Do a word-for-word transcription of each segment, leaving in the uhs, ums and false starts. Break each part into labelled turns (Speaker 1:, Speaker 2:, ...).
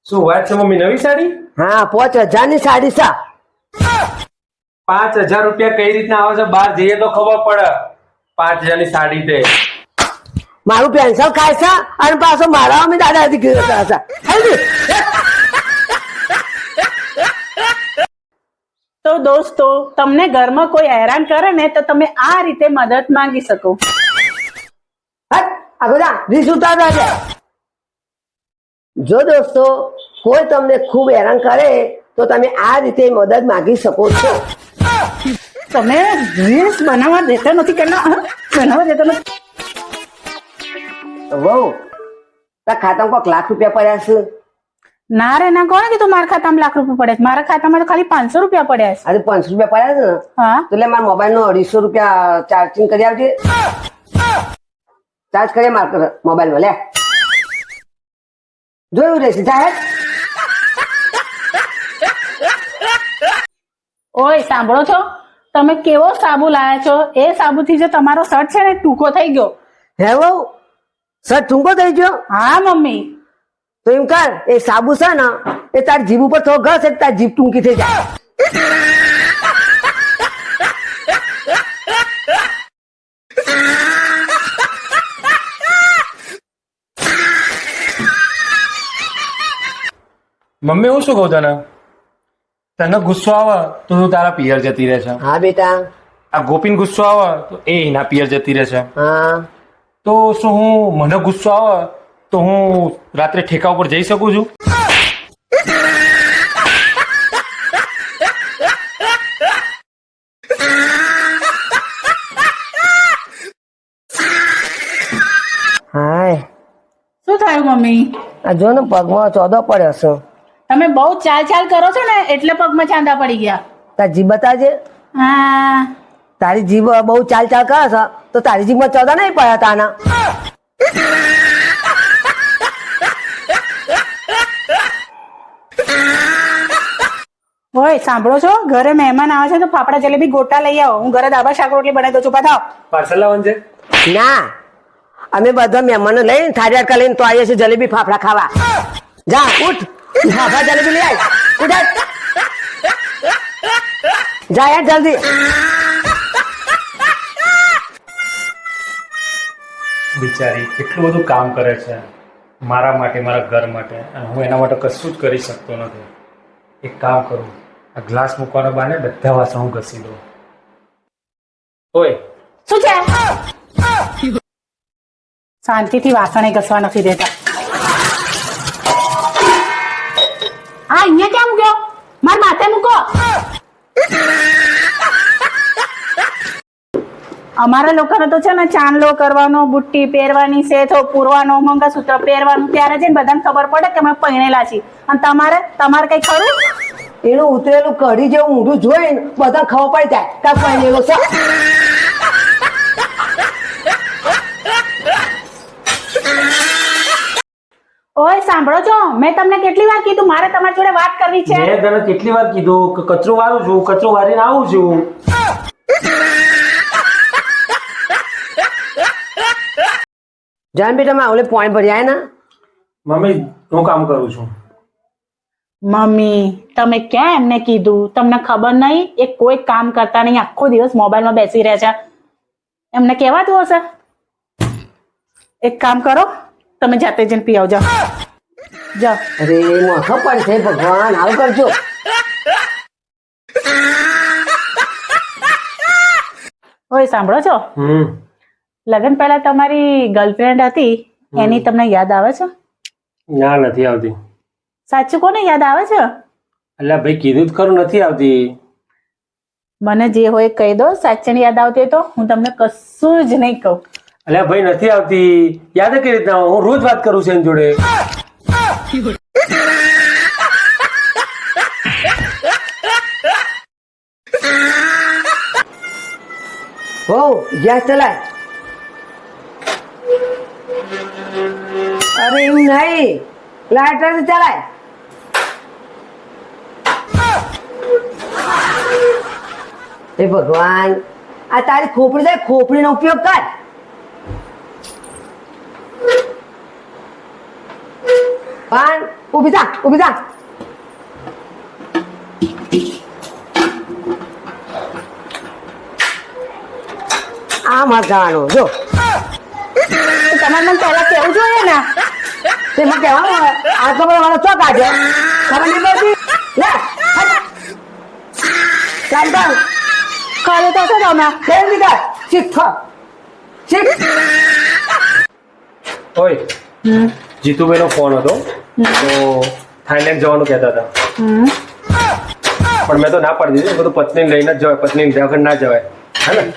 Speaker 1: શું વાત છે મમ્મી? નવી સાડી?
Speaker 2: હા, પાંચ હજાર ની સાડી સા.
Speaker 1: પાંચ હજાર રૂપિયા કઈ રીતના આવે છે? બહાર જઈએ તો ખબર પડે. પાંચ હજાર ની સાડી તે
Speaker 2: મારું પેન્શન ખાય છે અને પાછો મારા અમે દાદા દીકરી હતા.
Speaker 3: તો દોસ્તો, તમને ઘરમાં કોઈ હેરાન કરે ને તો તમે આ રીતે મદદ માંગી શકો.
Speaker 2: આ બધા રીસ ઉતારતા છે. જો દોસ્તો કોઈ તમને ખૂબ હેરાન કરે તો તમે આ રીતે મદદ માંગી શકો છો.
Speaker 3: તમે રીલ્સ બનાવવા દેતા નથી કે ના બનાવવા દેતા નથી?
Speaker 2: વહુ, તારા ખાતામાં કોઈક લાખ રૂપિયા પડ્યા છે?
Speaker 3: ના રે ના, કોણે કીધું મારા ખાતામાં લાખ રૂપિયા પડ્યા છે? મારા ખાતામાં તો ખાલી પાંચસો રૂપિયા પડ્યા છે.
Speaker 2: આજે પાંચસો રૂપિયા પડ્યા છે ને,
Speaker 3: હા
Speaker 2: તો એટલે મારા મોબાઈલ નો અઢીસો રૂપિયા ચાર્જિંગ કરી આવજે. ચાર્જ કરીએ મારા મોબાઈલ માં. લે જોયું રહેશે સાહેબ.
Speaker 3: ઓય સાંભળો છો? તમે કેવો સાબુ લાયા છો? એ સાબુથી જે તમારો શર્ટ છે ને ટૂંકો થઈ ગયો.
Speaker 2: હે વહુ, સર ટૂંકો થઈ ગયો?
Speaker 3: હા મમ્મી.
Speaker 2: તો એમ કર, એ સાબુ છે ને એ તારી જીભ ઉપર થોડો ઘસ એટલે તારી જીભ ટૂંકી થઈ જાય.
Speaker 1: મમ્મી હું શું કહું તને? તને ગુસ્સો આવે તો તું તારા પિયર જતી રહે છે.
Speaker 2: હા બેટા.
Speaker 1: આ ગોપીને ગુસ્સો આવે તો એ એના પિયર જતી રહે છે.
Speaker 2: હા.
Speaker 1: તો શું હું મને ગુસ્સો આવે તો હું રાત્રે ઠેકા ઉપર જઈ શકું છું?
Speaker 2: હાય,
Speaker 3: શું થયું મમ્મી?
Speaker 2: આ જો ને પગમાં ચોદો પડ્યો છે.
Speaker 3: તમે બહુ ચાલ ચાલ કરો છો ને એટલે પગમાં ચાંદા પડી ગયા.
Speaker 2: તારી જીભ બતાજે.
Speaker 3: હા.
Speaker 2: તારી જીભ બહુ ચાલ ચાલ કરે છે તો તારી જીભમાં ચોદા નહીં પડ્યા તાના.
Speaker 3: ઓય સાંભળો છો? ઘરે મહેમાન આવે છે તો ફાફડા જલેબી ગોટા લઈ આવો. હું ઘરે દાબા શાક રોટલી બનાવી દઉં છું. પાછા
Speaker 1: પાર્સલ લાવવાનું છે?
Speaker 2: ના, અમે બધા મહેમાનો લઈને થાળી અડકા લઈને તો આવીએ છીએ જલેબી ફાફડા ખાવા. જા ઉઠ, ફાફડા જલેબી લઈ આય. ઉઠ હેડ. જા યાર જલ્દી.
Speaker 1: બિચારી કેટલું બધું કામ કરે છે મારા માટે, મારા ઘર માટે, અને હું એના માટે કશું જ કરી શકતો નથી. એક કામ કરું, આ ગ્લાસ મૂકવાનો બાને બધા વાસણ હું ઘસી દઉં. ઓય
Speaker 3: શું છે? શાંતિથી વાસણે ઘસવા નથી દેતા. હા, અહીંયા ક્યાં મૂક્યો? માર માથે મૂકો. અમારા લોકોને તો છે ને ચાંદલો કરવાનો, બુટ્ટી પહેરવાની, સેથો પૂરવાનો, મંગળસૂત્ર પહેરવાનું, ત્યારે જઈને બધાને ખબર પડે કે અમે પરણેલા છીએ. અને તમારે તમારે કઈ ખરું?
Speaker 2: એનું ઉતરેલું કઢી જેવું ઊંધું જોઈને બધા ખબર પડી જાય કે પહેરેલો છે.
Speaker 3: ઓય સાંભળો છો? મેં તમને કેટલી વાર કીધું મારે તમારી જોડે વાત કરવી છે?
Speaker 1: મેં તને કેટલી વાર કીધું કે કચરો વાળું છું, કચરો વાળીને આવું છું.
Speaker 2: જાન બેટા માં ઓલે પોઈન્ટ ભર્યા ને.
Speaker 1: મમ્મી હું કામ કરું છું.
Speaker 3: મમ્મી તમે ક્યાં એમને કીધું? તમને ખબર નહીં એ કોઈ કામ કરતા નહીં, આખો દિવસ મોબાઈલમાં બેસી રહે છે. એમને કહેવાતું હશે. એક કામ કરો, તમે જાતે જઈને પી આવજો. જાઓ.
Speaker 2: અરે મોખો પડશે ભગવાન, આવું કરજો.
Speaker 3: ઓય સાંભળો છો?
Speaker 1: હમ
Speaker 3: લગ્ન પહેલા તમારી ગર્લફ્રેન્ડ હતી એની તમને યાદ આવે છે?
Speaker 1: ના, નથી આવતી.
Speaker 3: સાચું કોને યાદ આવે છે?
Speaker 1: એટલે ભાઈ કીધું જ ખરું, નથી આવતી.
Speaker 3: મને જે હોય કહી દો. સાચી યાદ આવતી હોય તો હું તમને કશું જ નહીં કહું.
Speaker 1: અલ્યા ભાઈ નથી આવતી. યાદ કઈ રીતના? હું રોજ વાત કરું છું એની જોડે.
Speaker 2: હો ગેસ ચલાય. અરે એવું નહીં, લાઇટર ચલાય. એ ભગવાન, આ તારી ખોપડી છે, ખોપડીનો ઉપયોગ કર. પણ ઊભી થા ઊભી થા આમ હાથ જવાનું જો
Speaker 3: તમારે મને પહેલા કેવું જોઈએ ને
Speaker 2: તેમાં કહેવાનું હોય આ તો મારો ચોક આજે ખબર નહીં પડતી લે ચાલ ચાલ
Speaker 3: ખાલી તો છે તમે
Speaker 2: કેમ નીકળ શીખ શીખ
Speaker 1: ઓય જીતુભાઈ નો ફોન હતો તો થાઈલેન્ડ જવાનું કહેતા હતા પણ મેં તો ના પાડી દીધી બધું પત્નીને લઈને જ જવાય પત્ની વગર ના જવાય હે ને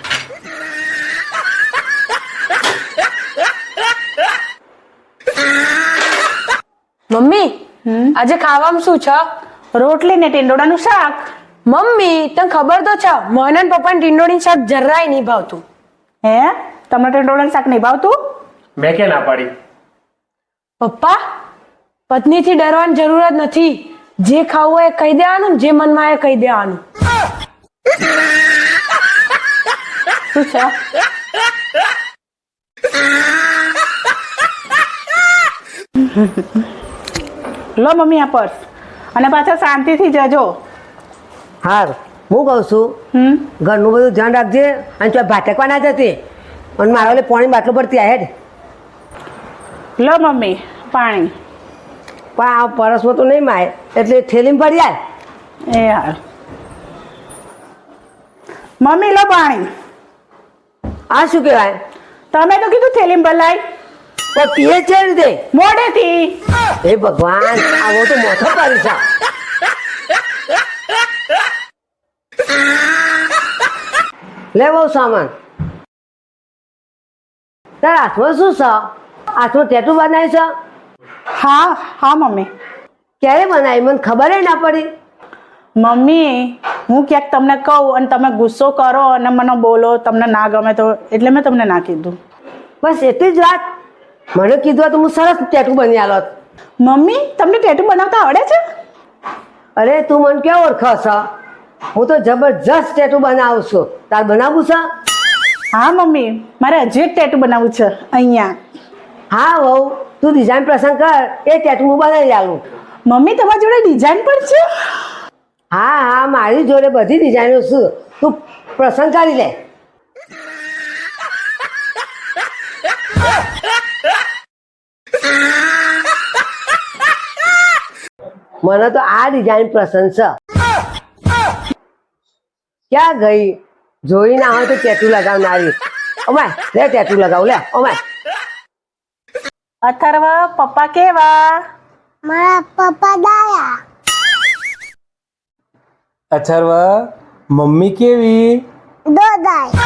Speaker 4: મમ્મી આજે ખાવામાં શું છે?
Speaker 3: રોટલી ને ટીંડોળાનું શાક.
Speaker 4: મમ્મી તને ખબર તો છે મને ને પપ્પાને ટીંડોળીનું શાક જરાય નહીં ભાવતું.
Speaker 3: હે તમને ટીંડોળાનું શાક નહીં ભાવતું?
Speaker 1: મેં ક્યાં ના પાડી?
Speaker 4: પપ્પા પત્નીથી ડરવાની જરૂર જ નથી. જે ખાવું હોય એ કહી દેવાનું, જે મનમાં આવે એ કહી દેવાનું.
Speaker 3: શું છે? લો મમ્મી આ પર્સ અને પાછા શાંતિથી જજો.
Speaker 2: હાર હું કહું છું
Speaker 3: હમ
Speaker 2: ઘરનું બધું ધ્યાન રાખજે અને ચોય ભાટકવા ના જતી અને મારા ઓલે પાણી બાટલો પડતી આ હેડ
Speaker 3: લો મમ્મી પાણી.
Speaker 2: પણ આ પરસમાં તો નહીં માય એટલે થેલીમાં પડી જાય.
Speaker 3: એ હાર મમ્મી લો પાણી.
Speaker 2: આ શું કહેવાય?
Speaker 3: તમે તો કીધું થેલીમ ભલાઈ
Speaker 2: પણ પીએ છે રીતે
Speaker 3: મોડેથી.
Speaker 2: હે ભગવાન આવો તો મોથો કરી છે. લે બહુ સામાન તાર હાથમાં શું છે? હાથમાં ટેટુ બનાવી છે?
Speaker 3: હા હા મમ્મી.
Speaker 2: ક્યારે બનાવી મને ખબર ના પડી.
Speaker 3: મમ્મી હું ક્યાંક તમને કહું અને તમે ગુસ્સો કરો અને મને બોલો તમને ના ગમે તો એટલે મેં તમને ના કીધું.
Speaker 2: બસ એટલી જ વાત. મને કીધું હોત તો હું સરસ ટેટુ બની આલોત.
Speaker 3: મમ્મી તમને ટેટુ બનાવતા આવડે છે?
Speaker 2: અરે તું મને ક્યાં ઓળખો છો? હું તો જબરજસ્ત ટેટુ બનાવું છું. તાર બનાવવું છે?
Speaker 3: હા મમ્મી મારે હજી એક ટેટુ બનાવવું છે અહીંયા.
Speaker 2: હા વહુ તું ડિઝાઇન પસંદ કર એ ટેટુ હું બનાવી આલું.
Speaker 3: મમ્મી તમારી જોડે ડિઝાઇન પણ છે?
Speaker 2: હા હા મારી જોડે બધી ડિઝાઇનો છે. તું પસંદ કરી લે. મને તો આ ડિઝાઇન પસંદ છે. ક્યાં ગઈ? જોઈ ના હોય તો ટેટુ લગાવનારી. ઓમાય લે ટેટુ લગાવ લે ઓમાય.
Speaker 3: અથર્વ પપ્પા કેવા?
Speaker 5: મારા પપ્પા ડાયા.
Speaker 1: અથર્વા મમ્મી કેવી?
Speaker 5: દોદાય.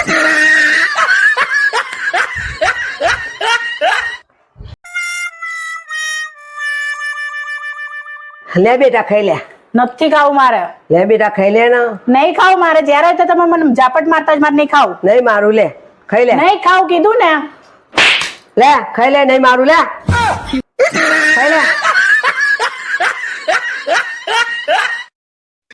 Speaker 2: લે બેટા ખાઈ લે.
Speaker 3: નથી ખાવું મારે.
Speaker 2: લે બેટા ખાઈ લે ને.
Speaker 3: નહીં ખાવું મારે. જ્યારે તો તમે મને ઝાપટ મારતા જ મારે નહીં ખાવું.
Speaker 2: નહીં મારું લે ખાઈ લે.
Speaker 3: નહીં ખાવું કીધું ને.
Speaker 2: લે ખાઈ લે નહીં મારું લે ખાઈ લે.